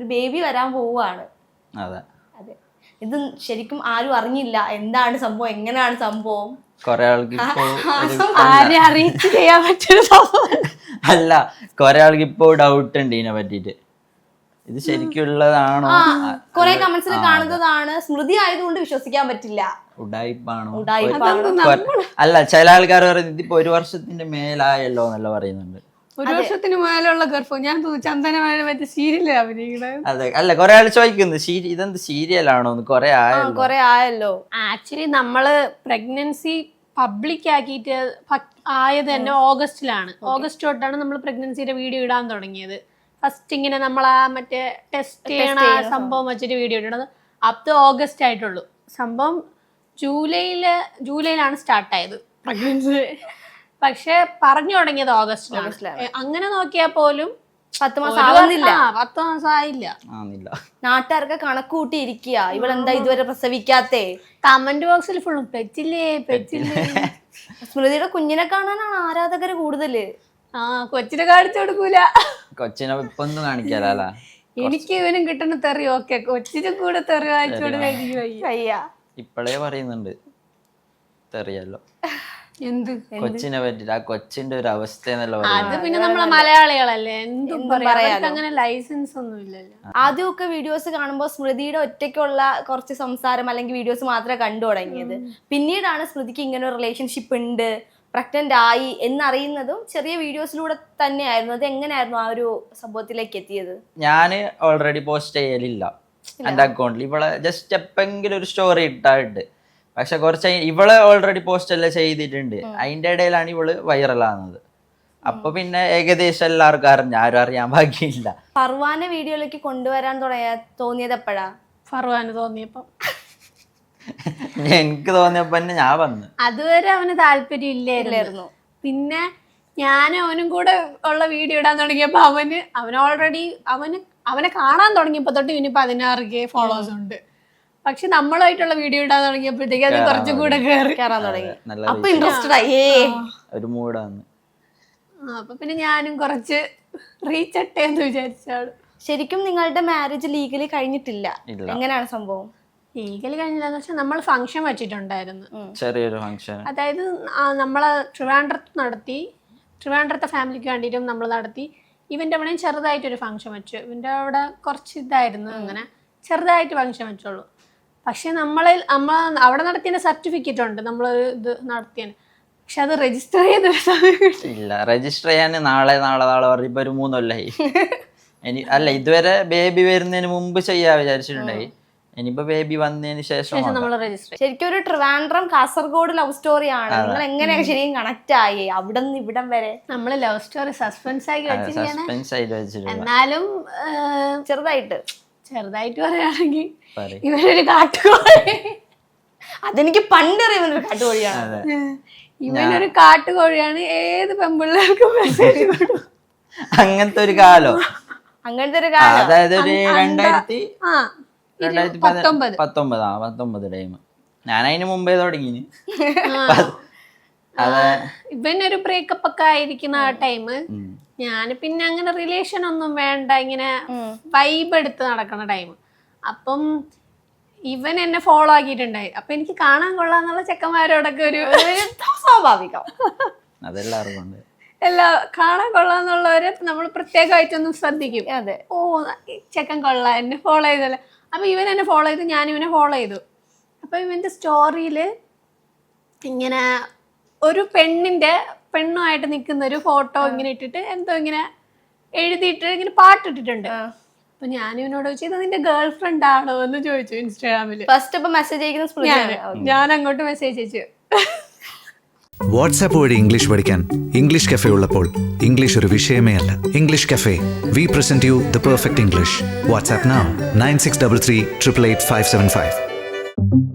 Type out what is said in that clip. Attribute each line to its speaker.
Speaker 1: ഒരു ബേബി വരാൻ പോവുകയാണ്.
Speaker 2: അതെ,
Speaker 1: ഇത് ശരിക്കും ആരും അറിഞ്ഞില്ല എന്താണ് സംഭവം, എങ്ങനെയാണ് സംഭവം.
Speaker 2: കൊറേ ആൾക്ക്
Speaker 3: ആരെ അറിയിച്ച് ചെയ്യാൻ പറ്റുന്ന സംഭവം
Speaker 2: അല്ല, കൊറേ ആൾക്ക് ഇപ്പൊ ഡൗട്ട് ഉണ്ട് ഇതിനെ പറ്റിട്ട്. ഇത് ശരിക്കുള്ളതാണോ?
Speaker 1: കൊറേ കമന്റ്സിൽ കാണുന്നതാണ്. സ്മൃതി ആയതുകൊണ്ട് വിശ്വസിക്കാൻ പറ്റില്ല.
Speaker 2: ഉഡായിപ്പാണോ?
Speaker 3: അല്ല,
Speaker 2: ചില ആൾക്കാർ പറയുന്നത് ഇതിപ്പോ 1 വർഷത്തിന്റെ മേലായല്ലോ എന്നല്ല പറയുന്നുണ്ട്.
Speaker 3: 1 വർഷത്തിന് മേലുള്ള ഗർഭം. ഞാൻ ചന്ദനമായ മറ്റേ സീരിയല് അഭിനയിക്കണേ.
Speaker 2: അതെ, അല്ല കൊറേ ആൾ ചോദിക്കുന്നു ഇതെന്ത് സീരിയലാണോ? കൊറേ
Speaker 1: ആയല്ലോ.
Speaker 3: ആക്ച്വലി നമ്മള് പ്രഗ്നൻസി പബ്ലിക് ആക്കിയിട്ട് ആയത് തന്നെ ഓഗസ്റ്റിലാണ്. ഓഗസ്റ്റ് തൊട്ടാണ് നമ്മൾ പ്രഗ്നൻസിയുടെ വീഡിയോ ഇടാൻ തുടങ്ങിയത്. ഫസ്റ്റ് ഇങ്ങനെ നമ്മൾ ആ മറ്റേ ടെസ്റ്റ് ചെയ്യണ ആ സംഭവം വെച്ചിട്ട് വീഡിയോ ഇടണത് അപ് ടു ഓഗസ്റ്റ് ആയിട്ടുള്ളൂ. സംഭവം ജൂലൈയിലാണ് സ്റ്റാർട്ടായത് പ്രഗ്നൻസി. പക്ഷെ പറഞ്ഞു തുടങ്ങിയത് ഓഗസ്റ്റിലാണ്. അങ്ങനെ നോക്കിയാൽ പോലും
Speaker 1: 10 മാസം ആവുന്നില്ല.
Speaker 3: 10 മാസം ആയില്ല.
Speaker 1: നാട്ടുകാർക്ക് കണക്ക് കൂട്ടിയിരിക്കുക, ഇവളെന്താ ഇതുവരെ പ്രസവിക്കാത്തേ.
Speaker 3: കമന്റ് ബോക്സിൽ ഫുള്ളും പെച്ചില്ലേ.
Speaker 1: സ്മൃതിയുടെ കുഞ്ഞിനെ കാണാനാണ് ആരാധകര് കൂടുതല്.
Speaker 3: കൊച്ചിനെ കാണിച്ചു കൊടുക്കൂല.
Speaker 2: കൊച്ചിനെ ഇപ്പൊ ഒന്നും കാണിക്കാല.
Speaker 3: എനിക്ക് ഇവനും കിട്ടുന്ന തെറി ഓക്കെ, കൊച്ചിനും കൂടെ തെറി വായിച്ചു കൊടുക്കാൻ
Speaker 2: ഇപ്പഴേ പറയുന്നുണ്ട് തെറിയല്ലോ.
Speaker 3: എന്ത്
Speaker 2: കൊച്ചിനെ പറ്റിട്ട്, ആ കൊച്ചിന്റെ ഒരു അവസ്ഥ എന്നല്ലോ.
Speaker 3: അത് പിന്നെ നമ്മളെ മലയാളികളല്ലേ, എന്തും പറയാ. അങ്ങനെ ലൈസൻസ് ഒന്നും ഇല്ലല്ലോ.
Speaker 1: ആദ്യമൊക്കെ വീഡിയോസ് കാണുമ്പോൾ സ്മൃതിയുടെ ഒറ്റയ്ക്കുള്ള കുറച്ച് സംസാരം അല്ലെങ്കിൽ വീഡിയോസ് മാത്രമേ കണ്ടു തുടങ്ങിയത്. പിന്നീടാണ് സ്മൃതിക്ക് ഇങ്ങനെ ഒരു റിലേഷൻഷിപ്പ് ഉണ്ട്, പ്രഗ്നന്റ് ആയി എന്നറിയുന്നതും ചെറിയ വീഡിയോസിലൂടെ തന്നെയായിരുന്നു. അത് എങ്ങനെയായിരുന്നു ആ ഒരു സംഭവത്തിലേക്ക് എത്തിയത്?
Speaker 2: ഞാന് ഓൾറെഡി പോസ്റ്റ് ചെയ്യലില്ല എന്റെ അക്കൗണ്ടിൽ. ഇവളെ ജസ്റ്റ് എപ്പെങ്കിലും ഒരു സ്റ്റോറി ഇട്ടായിട്ട്, പക്ഷെ കുറച്ച് ഇവള് ഓൾറെഡി പോസ്റ്റ് എല്ലാം ചെയ്തിട്ടുണ്ട്. അതിന്റെ ഇടയിലാണ് ഇവള് വൈറലാകുന്നത്. അപ്പൊ പിന്നെ ഏകദേശം എല്ലാവർക്കും അറിഞ്ഞു, ആരും അറിയാൻ ബാക്കിയില്ല.
Speaker 1: ഫർവാനെ വീഡിയോയിലേക്ക് കൊണ്ടുവരാൻ തോന്നിയത് എപ്പോഴാ?
Speaker 3: ഫർവാന് തോന്നിയപ്പോ,
Speaker 2: എനിക്ക് തോന്നിയപ്പോ ഞാൻ വന്നു.
Speaker 3: അതുവരെ അവന് താല്പര്യം ഇല്ലായിരുന്നു. പിന്നെ ഞാൻ അവനും കൂടെ ഉള്ള വീഡിയോ ഇടാൻ തുടങ്ങിയപ്പോ അവൻ ഓൾറെഡി അവനെ കാണാൻ തുടങ്ങിയപ്പോ തൊട്ട് ഇവന് 16K ഫോളോവേഴ്സ് ഉണ്ട്. പക്ഷെ നമ്മളായിട്ടുള്ള വീഡിയോ ഇടാൻ തുടങ്ങിയപ്പോഴത്തേക്ക് അത് കുറച്ചും കൂടെ കയറാൻ തുടങ്ങി.
Speaker 1: അപ്പൊ ഇൻട്രസ്റ്റഡ് ആയി,
Speaker 2: ഒരു മൂടാണ്.
Speaker 3: അപ്പൊ പിന്നെ ഞാനും കുറച്ച് റീച്ച് ഇട്ടേന്ന് വിചാരിച്ചാണ്.
Speaker 1: ശരിക്കും നിങ്ങളുടെ മാരേജ് ലീഗലി കഴിഞ്ഞിട്ടില്ല, എങ്ങനെയാണ് സംഭവം?
Speaker 3: ലീഗലി കഴിഞ്ഞില്ലെന്ന് വെച്ചാൽ നമ്മൾ ഫംഗ്ഷൻ വെച്ചിട്ടുണ്ടായിരുന്നു,
Speaker 2: ചെറിയൊരു ഫംഗ്ഷൻ.
Speaker 3: അതായത് നമ്മള് ട്രിവാൻഡ്രത്തെ ഫാമിലിക്ക് വേണ്ടിയിട്ടും നമ്മൾ നടത്തി. ഇവന്റെ അവിടെയും ചെറുതായിട്ടൊരു ഫംഗ്ഷൻ വെച്ചു. ഇവന്റെ അവിടെ കുറച്ച് ഇതായിരുന്നു, അങ്ങനെ ചെറുതായിട്ട് ഫംഗ്ഷൻ വെച്ചോളൂ. പക്ഷെ നമ്മൾ അവിടെ നടത്തിയ സർട്ടിഫിക്കറ്റ് ഉണ്ട്, നമ്മൾ ഇത് നടത്തിയാണ്. പക്ഷെ അത് രജിസ്റ്റർ
Speaker 2: ഇല്ല. രജിസ്റ്റർ ചെയ്യാൻ നാളെ പറയുമ്പോ ഒരു 3 കൊല്ലായി. അല്ല, ഇതുവരെ ബേബി വരുന്നതിന് മുമ്പ് ചെയ്യാ വിചാരിച്ചിട്ടുണ്ടായി. ഇനിയിപ്പോ ബേബി വന്നതിന് ശേഷം
Speaker 1: ശരിക്കും ഒരു ട്രിവാൻഡ്രം കാസർഗോഡ് ലവ് സ്റ്റോറി ആണ്. നിങ്ങൾ എങ്ങനെയാണ് ശരിക്കും കണക്ട് ആയി അവിടെ നിന്ന് ഇവിടം വരെ?
Speaker 3: നമ്മള് ലവ് സ്റ്റോറി സസ്പെൻസ് ആക്കി
Speaker 2: വെച്ചിരിക്കുകയാണ്.
Speaker 3: എന്നാലും
Speaker 1: ചെറുതായിട്ട്
Speaker 3: പറയുകയാണെങ്കിൽ ഇവനൊരു കാട്ടുകോഴി.
Speaker 1: അതെനിക്ക് പണ്ടറിയുന്നൊരു കാട്ടുകോഴിയാണ്.
Speaker 3: ഇവനൊരു കാട്ടുകോഴിയാണ്. ഏത് പെൺപിള്ളേർക്കും മെസ്സേജ് കൊടുക്കും.
Speaker 2: അങ്ങനത്തെ ഒരു കാലം, അതായത് ഒരു 2019 ടൈം. ഞാൻ അതിന് മുമ്പേ തുടങ്ങി.
Speaker 3: ഇവനൊരു ബ്രേക്കപ്പ് ഒക്കെ ആയിരിക്കുന്ന ആ ടൈം. ഞാൻ പിന്നെ അങ്ങനെ റിലേഷൻ ഒന്നും വേണ്ട, ഇങ്ങനെ വൈബ് എടുത്ത് നടക്കുന്ന ടൈം. അപ്പം ഇവൻ എന്നെ ഫോളോ ആക്കിയിട്ടുണ്ടായി. അപ്പൊ എനിക്ക് കാണാൻ കൊള്ളാന്നുള്ള ചെക്കന്മാരോടൊക്കെ ഒരു
Speaker 1: സ്വാഭാവികം,
Speaker 2: അതെല്ലാവർക്കും
Speaker 3: കാണാൻ കൊള്ളാന്നുള്ളവരെ നമ്മൾ പ്രത്യേകമായിട്ടൊന്നും ശ്രദ്ധിക്കും.
Speaker 1: അതെ,
Speaker 3: ഓ ചെക്കൻ കൊള്ളാം, എന്നെ ഫോളോ ചെയ്തല്ലേ. അപ്പൊ ഇവൻ എന്നെ ഫോളോ ചെയ്തു, ഞാൻ ഇവനെ ഫോളോ ചെയ്തു. അപ്പൊ ഇവന്റെ സ്റ്റോറിയില് ഇങ്ങനെ ഒരു പെണ്ണുമായിട്ട് നിൽക്കുന്ന ഒരു ഫോട്ടോ ഇങ്ങനെ ഇട്ടിട്ട് എന്തോ ഇങ്ങനെ എഴുതിയിട്ട് ഇങ്ങനെ പാട്ടിട്ടിട്ടുണ്ട്. അപ്പൊ ഞാൻ ഇവനോട് ചോദിച്ചു, ഇത് നിന്റെ ഗേൾ ഫ്രണ്ട് ആണോ എന്ന് ചോദിച്ചു ഇൻസ്റ്റാഗ്രാമില്.
Speaker 1: ഫസ്റ്റ് മെസ്സേജ് അയക്കുന്ന
Speaker 3: ഞാൻ അങ്ങോട്ട് മെസ്സേജ് അയച്ചു.
Speaker 4: വാട്സാപ്പ് വഴി ഇംഗ്ലീഷ് പഠിക്കാൻ ഇംഗ്ലീഷ് കഫേ ഉള്ളപ്പോൾ ഇംഗ്ലീഷ് ഒരു വിഷയമേ അല്ല. English cafe, we present you the perfect English. WhatsApp now 9633 888 575.